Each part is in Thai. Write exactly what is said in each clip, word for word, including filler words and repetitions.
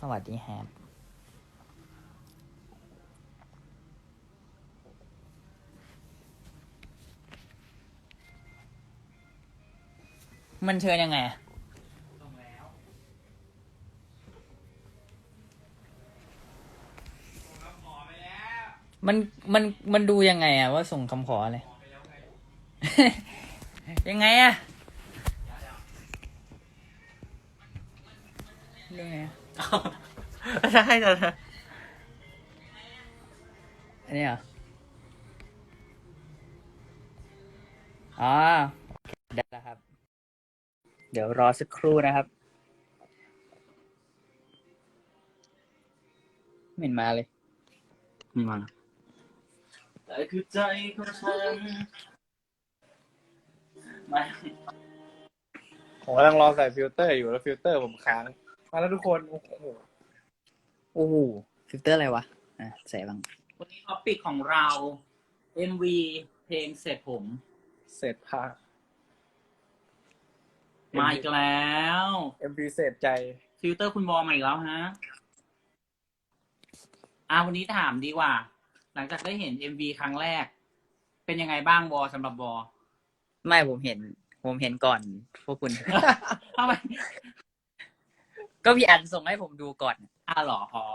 วัสดีแฮปมันเชิญยังไงอะส่งแล้วส่งคำขอไปแล้วมันมันมันดูยังไงอะว่าส่งคำขออะไรขอไปแล้วไงยังไงอะดูไงอะใช่แต่อันนี้เหรออ๋อได้แล้วครับ เดี๋ยวรอสักครู่นะครับไม่เห็นมาเลยมีมาแต่คือใจของฉันไม่ผมกำลังรอใส่ฟิลเตอร์อยู่แล้วฟิลเตอร์ผมค้างมาแล้วทุกคนโอ้โหโอ้โหฟิลเตอร์อะไรวะอ่ะใส่บ้างวันนี้ท็อปิกของเรา เอ็ม วี เพลงเสร็จผมเสร็จพามาอีกแล้วเอ็มพีเสร็จใจฟิลเตอร์คุณบอมาอีกแล้วฮะอ่าวันนี้ถามดีกว่า หลังจากได้เห็น เอ็ม วี ครั้งแรก เป็นยังไงบ้างบอสำหรับบอไม่ผมเห็น ผมเห็นก่อนพวกคุณทำไมก็พี่อันส่งให้ผมดูก่อนอ้าหรออ๋อ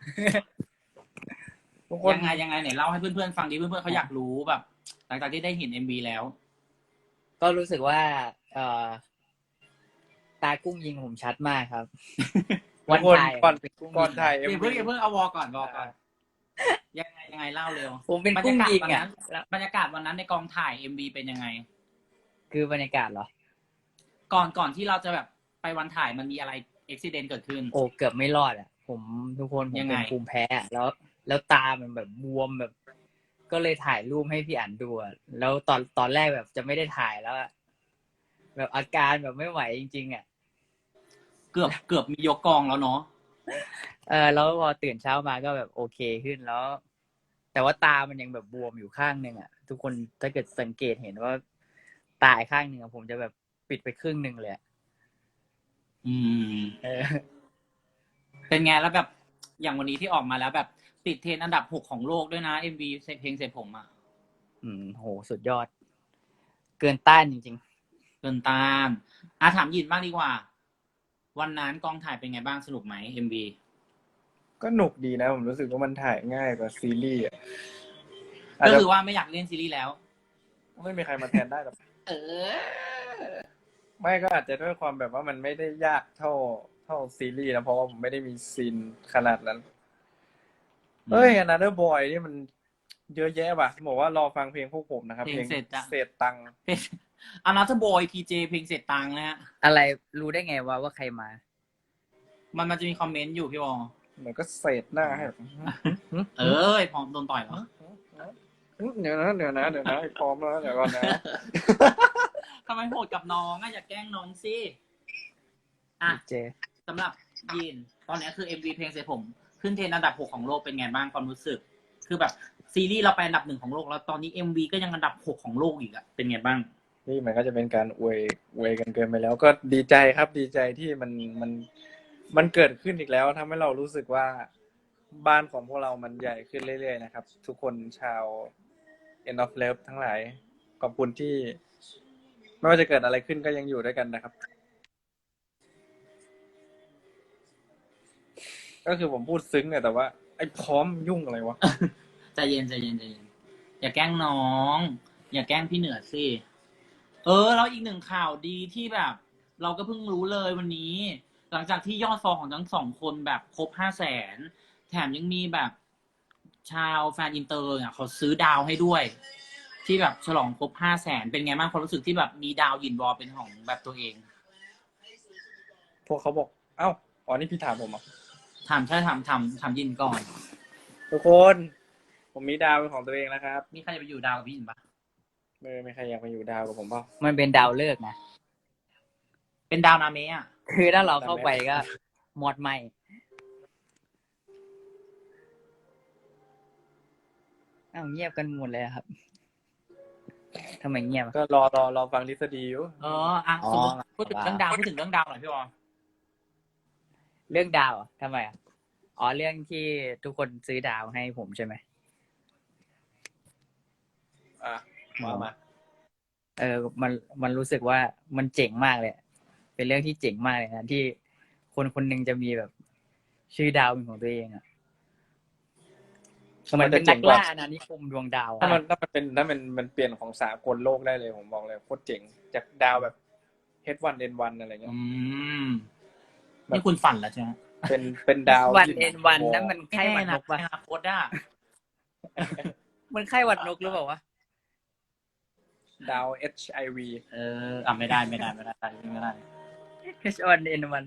ทุกคนยังไงยังไงไหนเล่าให้เพื่อนๆฟังดิเพื่อนๆเขาอยากรู้แบบ หลังจากที่ได้เห็น เอ็ม วี แล้วก็รู้สึกว่า เอ่อ ตากุ้งยิงผมชัดมากครับทุกคนก่อนเป็นกุ้งก่อนถ่ายเอ็มอย่าพีเพิ่งอย่าเพิ่งเอาวอก่อนวอก่อนยังไงยังไงเล่าเร็วผมเป็นบรรกุ้ยาง กาศยิงวันอ่ะนั้นบรรยากาศวันนั้นในกองถ่าย เอ็ม วี เป็นยังไงคือบรรยากาศเหรอก่อนก่อนที่เราจะแบบไปวันถ่ายมันมีอะไรอุบิเหตุเกิดขึ้นโอ้เกือบไม่รอดอ่ะ ผมทุกคนผมยังไงเป็นภูมิแพ้อะแล้ว แล้วตามันแบบบวมแบบ ก็เลยถ่ายรูปให้พี่อันดูอะแล้วตอนตอนแรกแบบจะไม่ได้ถ่ายแล้วอะแบบอาการแบบไม่ไหวจริงๆอ่ะเกือบเกือบมียกกองแล้วเนาะเออแล้วพอตื่นเช้ามาก็แบบโอเคขึ้นแล้ว แต่ว่าตามันยังแบบบวมอยู่ข้างหนึ่งอ่ะ ทุกคนถ้าเกิดสังเกตเห็นว่าตาอีกข้างหนึ่งอะผมจะแบบปิดไปครึ่งหนึ่งเลยอะอืมเออเป็นไงแล้วแบบอย่างวันนี้ที่ออกมาแล้วแบบติดเทรนด์อันดับหกของโลกด้วยนะ เอ็ม วี เพลงเสร็จผมอ่ะอืมโหสุดยอด เกินต้านจริงเกินต้านอ่ะถามยินบ้างดีกว่า วันนั้นกองถ่ายเป็นไงบ้างสนุกไหม เอ็ม วีก็หนุกดีนะ ผมรู้สึกว่ามันถ่ายง่ายกว่าซีรีส์อ่ะอาจก็จะคือว่าไม่อยากเล่นซีรีส์แล้วไม่มีใครมาแทนได้หรอกเออไม่ก็อาจจะด้วยความแบบว่ามันไม่ได้ยากเท่าเท่าซีรีส์นะเพราะว่าผมไม่ได้มีซีนขนาดนั้น เฮ้ย Another Boy นี่มันเยอะแยะว่ะบอกว่ารอฟังเพลงพวกผมนะครับเพลงเสร็จจ้ะเศษตังค์เพลงอนาเธอร์บอยพีเจเพลงเสร็จตังค์นะฮะๆ อะไรรู้ได้ไงว่าว่าใครมามันมันจะมีคอมเมนต์อยู่พี่บอลเหมือนก็เศษหน้าให้แบบเอ้ยพร้อมโดนต่อยเหรอเดี๋ยวนะเดี๋ยวนะเดี๋ยวนะพร้อมแล้วเดี๋ยวก่อนนะทำไมโหดกับน้องอ่ะอย่าแกล้งน้องสิอ่ะเจสำหรับยิน ตอนนี้คือ เอ็ม วี เพลงเสร็จผม ขึ้นเทรนด์อันดับหกของโลกเป็นไงบ้างความรู้สึก คือแบบซีรีส์เราไปอันดับหนึ่งของโลกแล้วตอนนี้ เอ็ม วี ก็ยังอันดับหกของโลกอีกอะเป็นไงบ้างนี่มันก็จะเป็นการอวยอวยกันเกินไปแล้ว ก็ดีใจครับดีใจที่มันมันมันเกิดขึ้นอีกแล้วทำให้เรารู้สึกว่าบ้านของพวกเรามันใหญ่ขึ้นเรื่อยๆนะครับ ทุกคนชาว End of Love ทั้งหลายขอบคุณที่ ไม่ว่าจะเกิดอะไรขึ้นก็ยังอยู่ด้วยกันนะครับ ก็คือผมพูดซึ้งเนี่ยแต่ว่าไอ้พร้อมยุ่งอะไรวะใจเย็นใจเย็นใจเย็นอย่าแกล้งน้อง อย่าแกล้งพี่เหนือสิเออแล้วอีกหนึ่งข่าวดีที่แบบ เราก็เพิ่งรู้เลยวันนี้ หลังจากที่ยอดฟอลของทั้งสองคนแบบครบห้าแสนแถมยังมีแบบ ชาวแฟนอินเตอร์เนี่ยเขาซื้อดาวให้ด้วย ที่แบบฉลองครบห้าแสนเป็นไงบ้างความรู้สึกที่แบบมีดาวยินบอลเป็นของแบบตัวเองพวกเขาบอก เอ้าอ๋อนี่พี่ถามผมอ่ะถามใช่ถามถามถามยินก่อนทุกคน ผมมีดาวเป็นของตัวเองแล้วครับมีใครจะไปอยู่ดาวกับพี่ยินปะไม่ไม่ใครอยากมาอยู่ดาวกับผมเปล่ามันเป็นดาวเลิกษ์นะเป็นดาวนาเมะอ่ะคือถ้าเราเข้าไปก็หมดไหมอ้าวเงียบกันหมดเลยอะครับทำไมเงียบอะก็รอรอรอฟังทฤษฎีอยู่เอออ่ะอ๋อสมมติพูดถึงเรื่องดาวพูดถึงเรื่องดาวหน่อยพี่บอลเรื่องดาวอะทำไมอ่ะอ๋อเรื่องที่ทุกคนซื้อดาวให้ผมใช่ไหมอ่ะมามาเออมันมันรู้สึกว่ามันเจ๋งมากเลย เป็นเรื่องที่เจ๋งมากเลยนะที่คนคนหนึ่งจะมีแบบ ชื่อดาวเป็นของตัวเองอ่ะเหมือนเป็นนักล่าอาณานิคมดวงดาวถ้าอะมันถ้ามันเป็นถ้ามันมันเปลี่ยนของสากลโลกได้เลยผมบอกเลยโคตรเจ๋งจากดาวแบบ เอช วัน เอ็น วัน อะไรเงี้ยอืมนี่คุณฝันแล้วใช่ไหมเป็นเป็นดาววันที่เอ็นวันนั่นมันไข้หวัดนกปะในอนาคตอ่ะมันไข้หวัดนกหรือเปล่าวะดาว เอช ไอ วีเอออ่ะไม่ได้ไม่ได้ไม่ได้ไม่ได้เอช วัน เอ็น วัน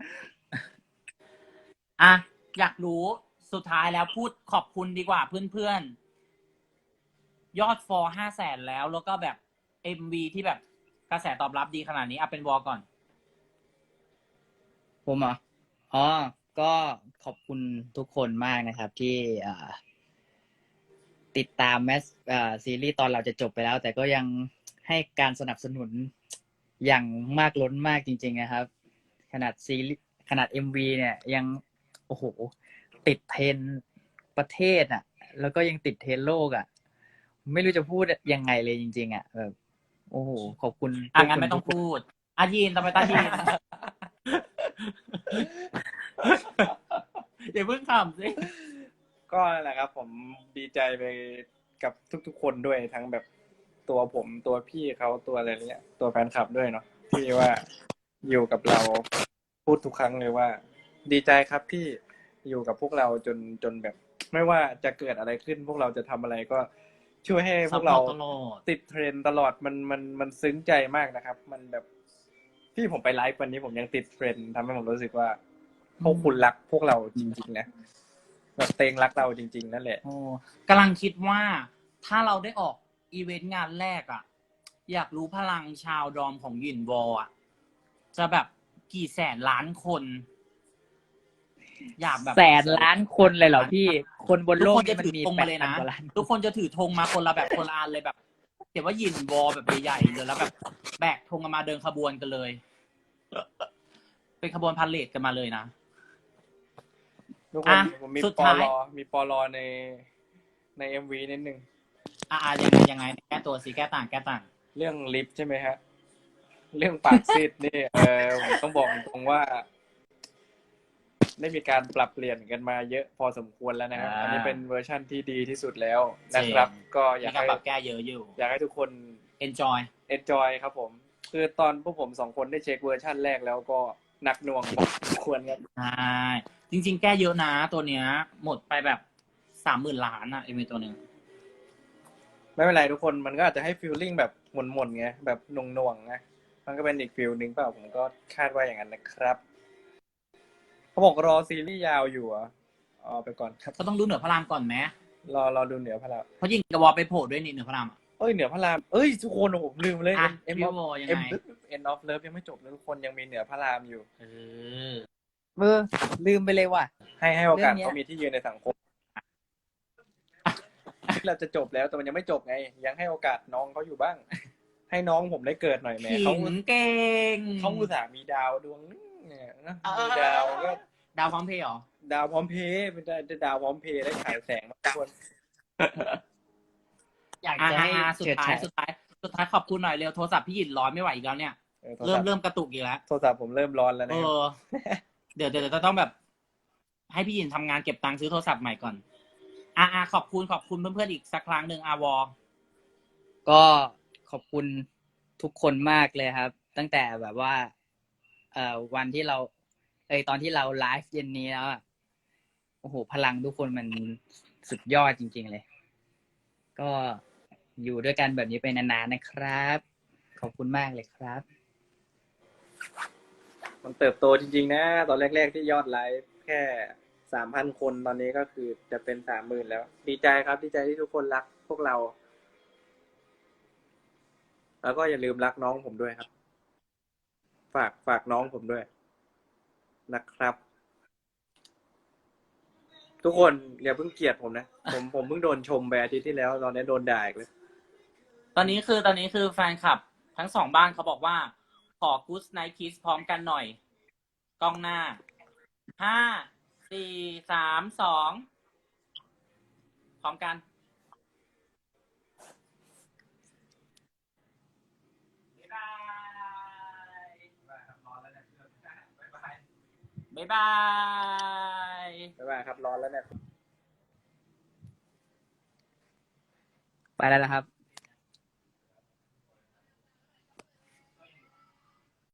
อ่ะอยากรู้สุดท้ายแล้วพูดขอบคุณดีกว่าเพื่อนๆ ยอดฟอลห้าแสนแล้วแล้วก็แบบเอ็มวีที่แบบกระแสตอบรับดีขนาดนี้เอาเป็นวอลก่อนผมเหรออ๋อ ก็ขอบคุณทุกคนมากนะครับ ที่อ่าติดตามแมสอ่าซีรีส์ตอนเราจะจบไปแล้ว แต่ก็ยังให้การสนับสนุนอย่างมากล้นมากจริง ๆ นะครับ ขนาดซีรีส์ขนาด เอ็ม วี เนี่ยยังโอ้โห ติดเทรนด์ประเทศอ่ะ แล้วก็ยังติดเทรนด์โลกอ่ะ ไม่รู้จะพูดยังไงเลยจริง ๆ อ่ะแบบโอ้โห ขอบคุณอ่ะงั้นไม่ต้องพูดอายีนทำไมตายีน อย่าเพิ่งขำสิก็นั่นแหละครับ ผมดีใจไปกับทุกๆคนด้วยทั้งแบบตัวผมตัวพี่เขาตัวอะไรเนี้ยตัวแฟนคลับด้วยเนาะที่ว่าอยู่กับเราพูดทุกครั้งเลยว่า ดีใจครับที่อยู่กับพวกเราจนจนแบบ ไม่ว่าจะเกิดอะไรขึ้น พวกเราจะทำอะไรก็ช่วยให้พวกเราซัพพอร์ตตลอดติดเทรนด์ตลอดมันมันมันซึ้งใจมากนะครับ มันแบบที่ผมไปไลฟ์วันนี้ผมยังติดเทรนด์ทำให้ผมรู้สึกว่าพวกคุณรักพวกเราจริงๆนะแบบเตงรักเราจริง ๆ นั่นแหละโอ้กำลังคิดว่าถ้าเราได้ออกอีเวนต์งานแรกอ่ะ อยากรู้พลังชาวดอมของหยินวอลอ่ะ จะแบบกี่แสนล้านคน อยากแบบแสนล้านคนเลยเหรอพี่ คนบนทุกโลกคนจะมันถือมีธงแปมาดเลยพันนะกว่าล้านทุกคนจะถือธงมาคนละแบบคนละอันเลยแบบเขียนว่าหยินวอลแบบใหญ่ๆเลยแล้วแบบแบกธงกันมาเดินขบวนกันเลย เป็นขบวนพาเลทกันมาเลยนะทุกคนอ่ะผมมีสุดปอท้ายลอมีปอลอในในเอ็มวีนิดนึงอ่ายังไงยังไงแก้ตัวสิแก้ต่างแก้ต่างเรื่องลิฟต์ใช่ไหมฮะ เรื่องปากซีดนี่ เออผมต้องบอกตรงว่า ได้มีการปรับเปลี่ยนกันมาเยอะพอสมควรแล้วนะครับอ่าอันนี้เป็นเวอร์ชั่นที่ดีที่สุดแล้วนะครับจริงก็อมียากการให้ปรับแก้เยอะอยู่อยากให้ทุกคน enjoy enjoy ครับผม คือตอนพวกผมสองคนได้เช็คเวอร์ชั่นแรกแล้วก็หนักหน่วงพอสมควรครับใช่จริง ๆ แก้เยอะนะตัวเนี้ย หมดไปแบบสามหมื่นล้านอะเอ็มวีตัวหนึ่งไม่เป็นไรทุกคนมันก็อาจจะให้ฟีลลิ่งแบบหม่นๆไงแบบหน่วงๆไงมันก็เป็นอีกฟีลนึงเปล่าผมก็คาดว่าอย่างนั้นนะครับเขาบอกรอซีรีส์ยาวอยู่อ่ะอ๋อไปก่อนครับก็ต้องดูเหนือพระรามก่อนไหมรอรอดูเหนือพระรามเพราะยิงกระวอไปโผล่ด้วยนี่เหนือพระรามอะเอ้ยเหนือพระรามเอ้ยทุกคนโอ้โหผมลืมเลยอ่ะเอ็มพี่ออฟโบยังเอ็มไงเอ็นออฟเลิฟยังไม่จบเลยทุกคนยังมีเหนือพระรามอยู่เออเออลืมไปเลยว่ะให้ให้โอกาสเรื่องเนี้ยเขามีที่ยืนในสังคมที่เราจะจบแล้วแต่มันยังไม่จบไง ยังให้โอกาสน้องเขาอยู่บ้าง ให้น้องผมได้เกิดหน่อยแหม่ขิเขางเก่งเขาอุตส่าห์มีดาวดวงนึงเนี่ยนะเออมีดาวก็ดาวพร้อมเพย์เหรอดาวพร้อมเพย์เป็นได้ดาวพร้อมเพย์ได้ฉายแสงมาทุกคนอยากอ่าจะให้สุดเฉิดท้ายฉายสุดท้ายสุดท้ายขอบคุณหน่อยเร็วโทรศัพท์พี่หยินร้อนไม่ไหวอีกแล้วเนี่ยออโทรเริ่ศัมพท์เริ่มกระตุกอีกแล้วโทรศัพท์ผมเริ่มร้อนแล้วเอนะครับอ เดี๋ยวเดี๋ยวจะต้องแบบ ให้พี่หยินทำงานเก็บตังค์ซื้อโทรศัพท์ใหม่ก่อน อ่าอ่าขอบคุณขอบคุณเพื่อนๆอีกสักครั้งหนึ่งอาวอก็ขอบคุณทุกคนมากเลยครับ ตั้งแต่แบบว่า เอ่อวันที่เรา เอยตอนที่เราไลฟ์เย็นนี้แล้วอะโอ้โห พลังทุกคนมันสุดยอดจริง ๆ เลย ก็อยู่ด้วยกันแบบนี้ไปนานๆนะครับ ขอบคุณมากเลยครับมันเติบโตจริงๆนะ ตอนแรกๆที่ยอดไลฟ์แค่สามพันคนตอนนี้ก็คือจะเป็นสามหมื่นแล้ว ดีใจครับ ดีใจที่ทุกคนรักพวกเรา แล้วก็อย่าลืมรักน้องผมด้วยครับ ฝากฝากน้องผมด้วยนะครับ ทุกคนอย่าเพิ่งเกลียดผมนะ ผมผมเพิ่งโดนชมไปอาทิตย์ที่แล้ว ตอนนี้โดนด่าอีกเลยตอนนี้คือตอนนี้คือแฟนคลับ ทั้งสองบ้านเขาบอกว่า ขอ Good Night Kiss พร้อมกันหน่อย กล้องหน้า ห้าสี่สามสองพร้อมกันบ๊ายบายบ๊ายบายบ๊ายบายครับร้อนแล้วเนี่ยไปแล้วนะครับ